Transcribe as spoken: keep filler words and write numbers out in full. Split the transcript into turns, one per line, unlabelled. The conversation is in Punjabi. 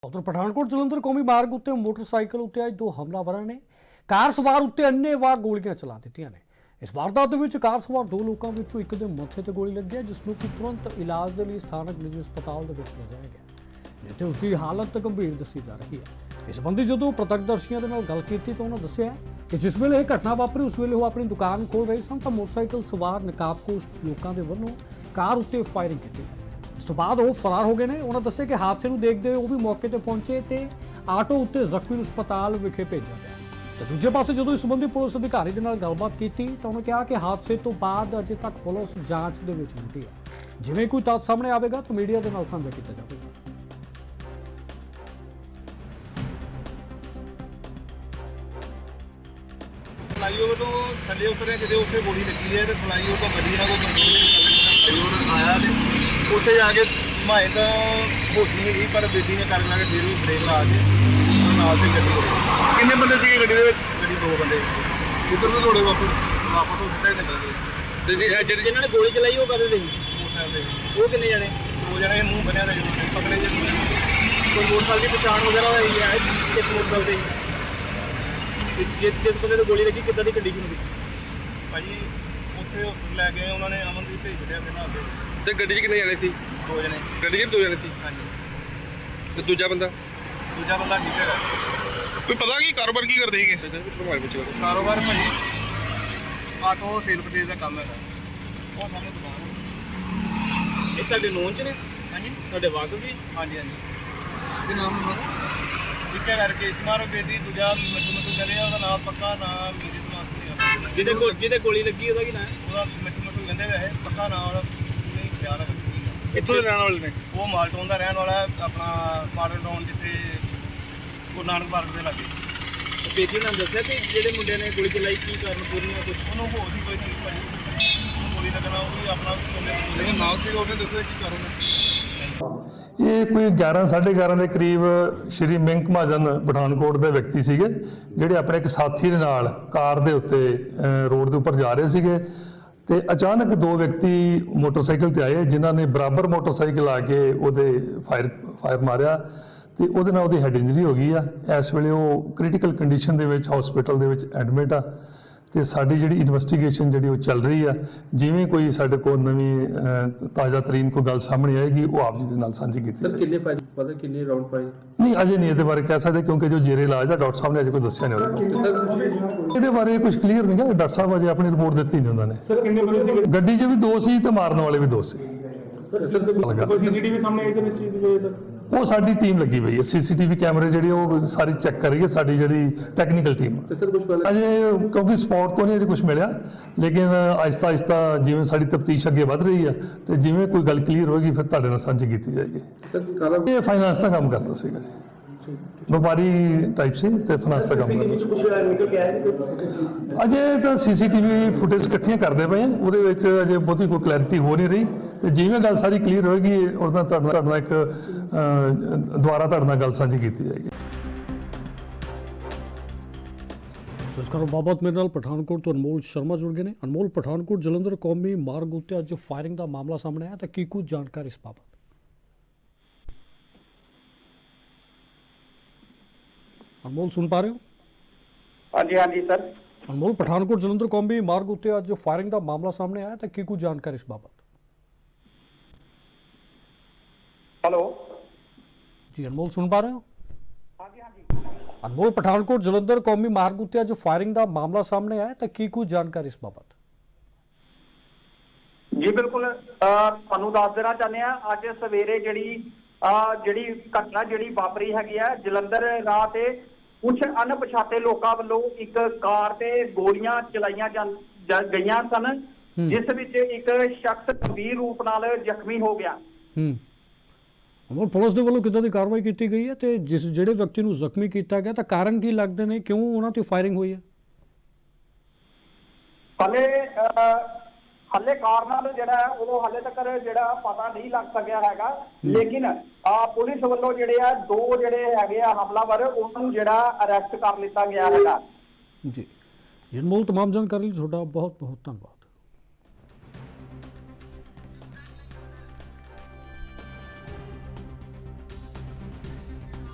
उधर पठानकोट जलंधर कौमी मार्ग उत्ते मोटरसाइकिल उत्ते अज दो हमलावरां ने कार सवार उत्ते अन्नेवाह गोलियां चला दित्तियां ने। इस वारदात दे विच कार सवार दो लोकां विचों एक दे मत्थे ते गोली लगी है, जिसनूं कि तुरंत इलाज दे लई स्थानक निजी अस्पताल दे विच लिजाया गया, जिथे उसकी हालत गंभीर दसी जा रही है। इस संबंधी जदों प्रत्यक्षदर्शियों दे नाल गल कीती तां उन्होंने दस्सिया कि जिस वेले यह घटना वापरी उस वेले वो अपनी दुकान खोल रहे सन तां मोटरसाइकिल सवार नकाबपोश लोकां दे वल्लों कार उत्ते फायरिंग कीती। इस तो बाद वो फरार हो गए ने। उन्होंने दस्सिया कि हादसे नूं देखदे होए वो भी मौके ते पहुंचे ते आटो उत्ते जख्मी नूं अस्पताल विखे भेजा गया। तो दूजे पासे जदों इस संबंधी पुलिस अधिकारी दे नाल गलबात कीती तां उन्होंने कहा कि हादसे तो बाद अजे तक पुलिस जांच दे विच जुटी है। जिवें कोई तत्थ सामने आवेगा तो मीडिया दे नाल साझा कीता जावेगा।
फ्लाईओवर तो थले उतरे जिदे उत्थे गोली लगी है तो फ्लाईओवर तो गड्डी ना कोई कंट्रोल आया ते उत्थे जाके माए तो होश नहीं गई, पर बेदी ने कर लगे फिर ब्रेक ला के नाल से गड्डी किन्ने बंदे सी गड्डी दे विच गड्डी दो बंदे किधर तो दौड़े वापस वापस तो सीधा ही निकल गए ते ਜਿਹੜੇ ਜਿਨ੍ਹਾਂ ਨੇ ਗੋਲੀ ਚਲਾਈ ਉਹ ਕਦੇ ਦੇ ਉਹ ਕਿੰਨੇ ਜਣੇ ਦੋ ਜਣੇ ਮੂੰਹ ਬੰਨਿਆ ਦਾ ਜਿਹੜੇ ਪਕੜੇ ਜੇ ਕੋਈ ਮੋਟਰਸਾਈਕਲ ਦੀ ਪਛਾਣ ਵਗੈਰਾ ਹੋਈ ਹੈ ਇੱਕ ਮੋਟਰਸਾਈਕਲ ਤੇ ਜਿਸ ਜਿਸ ਬੰਦੇ ਨੂੰ ਗੋਲੀ ਲੱਗੀ ਕਿੱਦਾਂ ਦੀ ਕੰਡੀਸ਼ਨ ਹੋਈ ਭਾਜੀ ਉੱਥੇ ਲੈ ਗਏ ਉਹਨਾਂ ਨੇ ਅਮਨਦੀਪ ਭੇਜ ਦਿੱਤਾ ਫਿਰ ਨਾ ਅੱਗੇ ਤੇ ਗੱਡੀ 'ਚ ਕਿੰਨੇ ਜਾਣੇ ਸੀ ਦੋ ਜਣੇ ਗੱਡੀ 'ਚ ਦੋ ਜਣੇ ਸੀ ਹਾਂਜੀ ਤੇ ਦੂਜਾ ਬੰਦਾ ਦੂਜਾ ਬੰਦਾ ਠੀਕ ਹੈਗਾ ਕੋਈ ਪਤਾ ਕੀ ਕਾਰੋਬਾਰ ਕੀ ਕਰਦੇ ਸੀਗੇ ਕਾਰੋਬਾਰ ਭਾਜੀ ਆਟੋ ਸੇਲ ਪਰਚੇਜ਼ ਦਾ ਕੰਮ ਹੈਗਾ ਉਹ ਸਾਹਮਣੇ ਦੁਕਾਨ ਇਹ ਤੁਹਾਡੇ ਨੋਨ 'ਚ ਨੇ ਹਾਂਜੀ ਤੁਹਾਡੇ ਵਾਕਫ ਜੀ ਹਾਂਜੀ ਹਾਂਜੀ ਕੀ ਨਾਮ ਉਹਨਾਂ ਦਾ ਇੱਕ ਕਰਕੇ ਮਾਰੋ ਬੇਦੀ ਦੂਜਾ ਮਿੱਟੂ ਮਿੱਟੂ ਕਹਿੰਦੇ ਆ ਉਹਦਾ ਨਾਮ ਪੱਕਾ ਨਾਮ ਮੇਰੇ ਦਿਮਾਗ 'ਚ ਨਹੀਂ ਜਿਹਦੇ ਕੋਲ ਜਿਹਦੇ ਗੋਲੀ ਲੱਗੀ ਉਹਦਾ ਕੀ ਨਾਮ ਹੈ ਉਹਦਾ ਮਿੱਟੂ ਮਿੱਟੂ ਕਹਿੰਦੇ ਵੈਸੇ ਪੱਕਾ ਨਾਮ ਉਹਦਾ ਨਹੀਂ ਖਿਆਲ ਰੱਖ ਇੱਥੋਂ ਦੇ ਰਹਿਣ ਵਾਲੇ ਨੇ ਉਹ ਮਾਲਟਾਊਨ ਦਾ ਰਹਿਣ ਵਾਲਾ ਆਪਣਾ ਮਾਡਲ ਟਾਊਨ ਜਿੱਥੇ ਗੁਰੂ ਨਾਨਕ ਪਾਰਕ ਦੇ ਲਾਗੇ ਬੇਦੀ ਨੇ ਦੱਸਿਆ ਕਿ ਜਿਹੜੇ ਮੁੰਡੇ ਨੇ ਗੋਲੀ ਚਲਾਈ ਕੀ ਕਾਰਨ ਪੂਰੀਆਂ ਕੁਝ ਉਹਨੂੰ ਹੋਰ ਵੀ ਕੋਈ ਨਹੀਂ ਭਾਜੀ ਗੋਲੀ ਲੱਗਣਾ ਉਹ ਵੀ ਆਪਣਾ ਲੇਕਿਨ ਨਾਲ ਸੀ ਉਹਨੇ ਦੱਸਿਆ ਕੀ ਕਾਰਨ
ਇਹ ਕੋਈ ਗਿਆਰਾਂ ਸਾਢੇ ਗਿਆਰਾਂ ਦੇ ਕਰੀਬ ਸ਼੍ਰੀ ਮਿੰਕ ਮਹਾਜਨ ਪਠਾਨਕੋਟ ਦੇ ਵਿਅਕਤੀ ਸੀਗੇ ਜਿਹੜੇ ਆਪਣੇ ਇੱਕ ਸਾਥੀ ਦੇ ਨਾਲ ਕਾਰ ਦੇ ਉੱਤੇ ਰੋਡ ਦੇ ਉੱਪਰ ਜਾ ਰਹੇ ਸੀਗੇ ਤੇ ਅਚਾਨਕ ਦੋ ਵਿਅਕਤੀ ਮੋਟਰਸਾਈਕਲ ਤੇ ਆਏ ਜਿਨ੍ਹਾਂ ਨੇ ਬਰਾਬਰ ਮੋਟਰਸਾਈਕਲ ਆ ਕੇ ਉਹਦੇ ਫਾਇਰ ਫਾਇਰ ਮਾਰਿਆ ਤੇ ਉਹਦੇ ਨਾਲ ਉਹਦੀ ਹੈਡ ਇੰਜਰੀ ਹੋ ਗਈ ਆ। ਇਸ ਵੇਲੇ ਉਹ ਕ੍ਰਿਟੀਕਲ ਕੰਡੀਸ਼ਨ ਦੇ ਵਿੱਚ ਹਸਪੀਟਲ ਦੇ ਵਿੱਚ ਐਡਮਿਟ ਆ ਤੇ ਸਾਡੀ ਜਿਹੜੀ ਇਨਵੈਸਟੀਗੇਸ਼ਨ ਜਿਹੜੀ ਉਹ ਚੱਲ ਰਹੀ ਆ। ਜਿਵੇਂ ਕੋਈ ਸਾਡੇ ਕੋਲ ਨਵੀਂ ਤਾਜ਼ਾ ਤਰੀਨ ਕੋਈ ਗੱਲ ਸਾਹਮਣੇ ਆਏਗੀ ਉਹ ਆਪ ਜੀ ਦੇ ਨਾਲ ਸਾਂਝੀ ਕੀਤੀ
ਸਰ ਕਿੰਨੇ ਫਾਇਰ ਪਤਾ ਕਿੰਨੇ ਰਾਉਂਡ ਫਾਇਰ
ਨਹੀਂ ਅਜੇ ਨਹੀਂ ਇਹਦੇ ਬਾਰੇ ਕਹਿ ਸਕਦੇ ਕਿਉਂਕਿ ਜੋ ਜੇਰੇ ਇਲਾਜ ਆ ਡਾਕਟਰ ਸਾਹਿਬ ਨੇ ਅਜੇ ਕੋਈ ਦੱਸਿਆ ਨਹੀਂ ਉਹਦੇ ਇਹਦੇ ਬਾਰੇ ਕੁਝ ਕਲੀਅਰ ਨਹੀਂ ਗਾ। ਡਾਕਟਰ ਸਾਹਿਬ ਅਜੇ ਆਪਣੀ ਰਿਪੋਰਟ ਦਿੱਤੀ ਨਹੀਂ ਉਹਨਾਂ ਨੇ।
ਸਰ ਕਿੰਨੇ ਬੰਦੇ ਸੀ
ਗੱਡੀ 'ਚ ਵੀ ਦੋ ਸੀ ਤੇ ਮਾਰਨ ਵਾਲੇ ਵੀ ਦੋ ਸੀ।
ਕੋਈ ਸੀਸੀਟੀਵੀ ਸਾਹਮਣੇ ਆਈ ਸਰ ਇਸ ਚੀਜ਼ ਦੀ ਤੱਕ
ਉਹ ਸਾਡੀ ਟੀਮ ਲੱਗੀ ਪਈ ਹੈ ਸੀਸੀਟੀਵੀ ਕੈਮਰੇ ਜਿਹੜੀ ਉਹ ਸਾਰੀ ਚੈੱਕ ਕਰ ਰਹੀ ਹੈ ਸਾਡੀ ਜਿਹੜੀ ਟੈਕਨੀਕਲ ਟੀਮ ਅਜੇ ਕਿਉਂਕਿ ਸਪੌਟ ਤੋਂ ਨਹੀਂ ਅਜੇ ਕੁਝ ਮਿਲਿਆ ਲੇਕਿਨ ਆਹਿਸਤਾ ਆਹਿਸਤਾ ਜਿਵੇਂ ਸਾਡੀ ਤਫਤੀਸ਼ ਅੱਗੇ ਵੱਧ ਰਹੀ ਹੈ ਤੇ ਜਿਵੇਂ ਕੋਈ ਗੱਲ ਕਲੀਅਰ ਹੋਏਗੀ ਫਿਰ ਤੁਹਾਡੇ ਨਾਲ ਸਾਂਝੀ ਕੀਤੀ ਜਾਏਗੀ। ਇਹ ਫਾਈਨਾਂਸ ਦਾ ਕੰਮ ਕਰਦਾ ਸੀਗਾ ਜੀ, ਵਪਾਰੀ ਟਾਈਪ ਸੀ ਤੇ ਫਾਈਨਾਂਸ ਦਾ ਕੰਮ ਕਰਦਾ ਸੀ। ਅਜੇ ਤਾਂ ਸੀਸੀਟੀਵੀ ਫੁਟੇਜ ਇਕੱਠੀਆਂ ਕਰਦੇ ਪਏ ਆ ਉਹਦੇ ਵਿੱਚ ਅਜੇ ਬਹੁਤੀ ਕੋਈ ਕਲੈਰਿਟੀ ਹੋ ਨਹੀਂ ਰਹੀ ਤੇ ਜਿਵੇਂ ਗੱਲ ਸਾਰੀ ਕਲੀਅਰ ਹੋਏਗੀ ਉਹਦਾ ਤੁਹਾਡੇ ਨਾਲ ਇੱਕ ਦੁਬਾਰਾ ਤੁਹਾਡੇ ਨਾਲ ਗੱਲ ਸਾਂਝੀ ਕੀਤੀ ਜਾਏਗੀ।
ਇਸ ਕਰ ਬਾਬਤ ਮੇਰੇ ਨਾਲ ਪਠਾਨਕੋਟ ਤੋਂ ਅਨਮੋਲ ਸ਼ਰਮਾ ਜੁੜ ਗਏ ਨੇ। ਅਨਮੋਲ, ਪਠਾਨਕੋਟ ਜਲੰਧਰ ਕੌਮੀ ਮਾਰਗ ਉੱਤੇ ਅੱਜ ਫਾਇਰਿੰਗ ਦਾ ਮਾਮਲਾ ਸਾਹਮਣੇ ਆਇਆ ਤਾਂ ਕੀ ਕੁਝ ਜਾਣਕਾਰੀ ਇਸ ਬਾਬਤ? अनमोल सुन पा रहे हो?
हाँ जी हाँ जी सर।
अनमोल, पठानकोट जलंधर कौमी मार्ग उत्ते आज जो फायरिंग का मामला सामने आया था की कुछ जानकारी इस बाबत?
हेलो
जी अनमोल सुन पा रहे हो?
हाँ जी हाँ जी।
अनमोल, पठानकोट जलंधर कौमी मार्ग उत्ते आज जो फायरिंग का मामला सामने आया था की कुछ जानकारी इस बाबत?
जी बिल्कुल ਤੁਹਾਨੂੰ ਦੱਸ ਦੇਣਾ ਚਾਹੁੰਦੇ ਆ ਅੱਜ ਸਵੇਰੇ ਜਿਹੜੀ ਜਿਹੜੀ ਘਟਨਾ ਜਿਹੜੀ ਵਾਪਰੀ ਹੈਗੀ ਆ ਜਲੰਧਰ ਰਾਹ ਤੇ ਕੁਝ ਅਣਪਛਾਤੇ ਲੋਕਾਂ ਵੱਲੋਂ ਇੱਕ ਕਾਰ ਤੇ ਗੋਲੀਆਂ ਚਲਾਈਆਂ ਗਈਆਂ ਸਨ ਜਿਸ ਵਿੱਚ ਇੱਕ ਸ਼ਖਸ ਗੰਭੀਰ ਰੂਪ ਨਾਲ ਜ਼ਖਮੀ ਹੋ ਗਿਆ।
ਹੂੰ ਅਮਰ ਪੁਲਿਸ ਦੇ ਵੱਲੋਂ ਕਿੱਦਾਂ ਦੀ ਕਾਰਵਾਈ ਕੀਤੀ ਗਈ ਹੈ ਤੇ ਜਿਸ ਜਿਹੜੇ ਵਿਅਕਤੀ ਨੂੰ ਜ਼ਖਮੀ ਕੀਤਾ ਗਿਆ ਤਾਂ ਕਾਰਨ ਕੀ ਲੱਗਦੇ ਨੇ, ਕਿਉਂ ਉਹਨਾਂ ਤੇ ਫਾਇਰਿੰਗ ਹੋਈ ਹੈ?
ਹਲੇ ਹਲੇ ਕਾਰਨ ਜਿਹੜਾ ਉਹ ਹਲੇ ਤੱਕ ਜਿਹੜਾ ਪਤਾ ਨਹੀਂ ਲੱਗ ਸਕਿਆ ਹੈਗਾ ਲੇਕਿਨ ਪੁਲਿਸ ਵੱਲੋਂ ਜਿਹੜੇ ਆ ਦੋ ਜਿਹੜੇ ਹੈਗੇ ਆ ਹਮਲਾਵਰ ਉਹਨਾਂ ਨੂੰ ਜਿਹੜਾ ਅਰੈਸਟ ਕਰ ਲਿੱਤਾ ਗਿਆ ਹੈਗਾ।
ਜੀ ਅਨਮੋਲ, तमाम जानकारी ਤੁਹਾਡਾ ਬਹੁਤ ਬਹੁਤ ਧੰਨਵਾਦ।